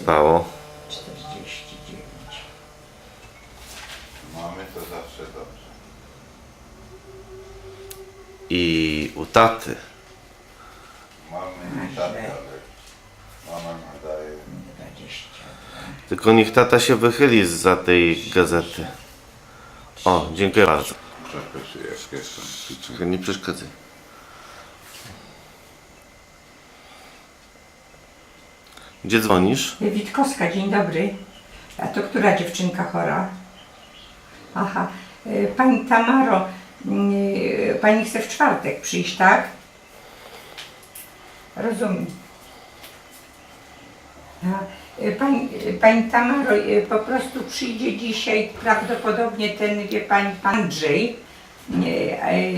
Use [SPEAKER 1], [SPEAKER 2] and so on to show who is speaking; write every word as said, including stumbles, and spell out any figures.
[SPEAKER 1] spało.
[SPEAKER 2] czterdzieści dziewięć.
[SPEAKER 3] Mamy to zawsze dobrze.
[SPEAKER 1] I u taty.
[SPEAKER 3] Mamy nie tak, ale mama nadaje.
[SPEAKER 2] dwadzieścia dwa.
[SPEAKER 1] Tylko niech tata się wychyli zza tej gazety. O, dziękuję bardzo.
[SPEAKER 3] Czekaj, jak jestem.
[SPEAKER 1] Czekaj, nie przeszkadzaj. Gdzie dzwonisz?
[SPEAKER 2] Witkowska, dzień dobry. A to która dziewczynka chora? Aha. Y, Pani Tamaro, y, pani chce w czwartek przyjść, tak? Rozumiem. A, y, Pani, y, pani Tamaro, y, po prostu przyjdzie dzisiaj prawdopodobnie ten, wie pani, pan Andrzej. Y, y,